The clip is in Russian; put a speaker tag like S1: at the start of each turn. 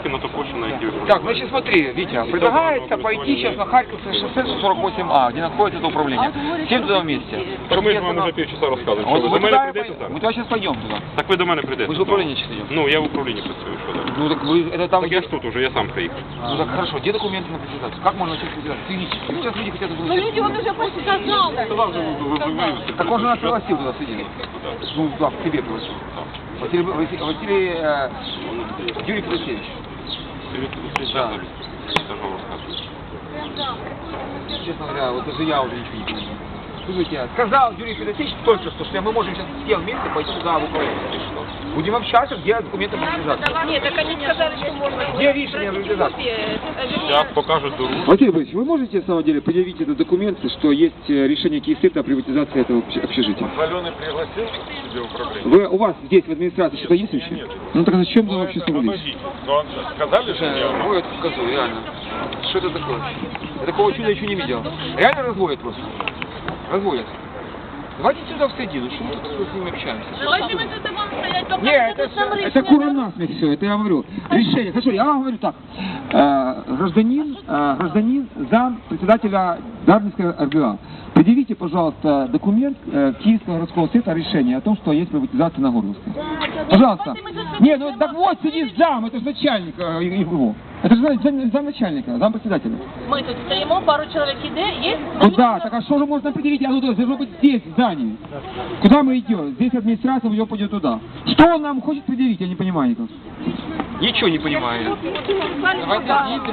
S1: тільки на ту площу, на якій ви
S2: Так, значит смотри, Витя, предлагается пойти сейчас на Харьковское шоссе 48А, где находится это управление. Всем туда вместе.
S1: Так ми ж вам уже півчаса розказуємо,
S2: Вот
S1: що ви
S2: мы
S1: до мене
S2: туда,
S1: прийдете зараз?
S2: мы туда сейчас пойдем туда.
S1: Так ви до мене прийдете.
S2: Мы же в управление сейчас идем.
S1: Ну, я в управлінні працюю, що так?
S2: Ну так вы, это там...
S1: Так я ж тут уже, я сам приїхав.
S2: Ну так хорошо, где документы на презентацию? Как можно начать презентацию? Физически. Сейчас люди хотят...
S3: Ну люди, он уже почти сознался.
S2: Так он же нас пригласил туда сидеть. Ну да, к тебе пригласил. Василий Юрий Федосеевич. Да. Честно говоря, вот даже я уже ничего не понимаю. Слушайте, сказал Юрий Федосеевич только что мы можем сейчас все вместе пойти туда в управление. Будем общаться, где документы на организацию.
S3: Нет, так они сказали, что можно.
S2: Где решение организации?
S1: Сейчас покажут дорогу.
S4: Василий Борисович, вы можете, на самом деле, предъявить это документы, что есть решение Киевстыта о приватизации этого общежития?
S1: Алены пригласил себе управление?
S4: У вас здесь, в администрации, что-то есть вообще?
S1: Нет.
S4: Ну так зачем вы вообще собрались?
S1: Подождите, но сказали же мне?
S2: Разводят козу, реально. Что это такое? Я такого чуда еще не видел. Реально разводят просто. Разводят. Давайте сюда в середину, что мы тут с ними общаемся?
S3: Давайте мы тут будем стоять, пока
S2: Нет,
S4: Это кура насмех все, это я говорю. Решение. Хорошо, я вам говорю так. Гражданин, зам председателя Дарницкой РГА. Предъявите, пожалуйста, документ Киевского городского совета о решении о том, что есть приватизация на Горловской. Пожалуйста. Не, ну так вот сидит зам, это же начальник его. Это же замначальника, зампредседателя.
S3: Мы тут стоим, пару человек есть.
S4: Куда? Так а что же можно определить? Оно должно быть здесь, в здании. Куда мы идем? Здесь администрация, ее пойдет туда. Что он нам хочет предъявить? Я не понимаю никак.
S2: Ничего не понимаю.
S3: Давайте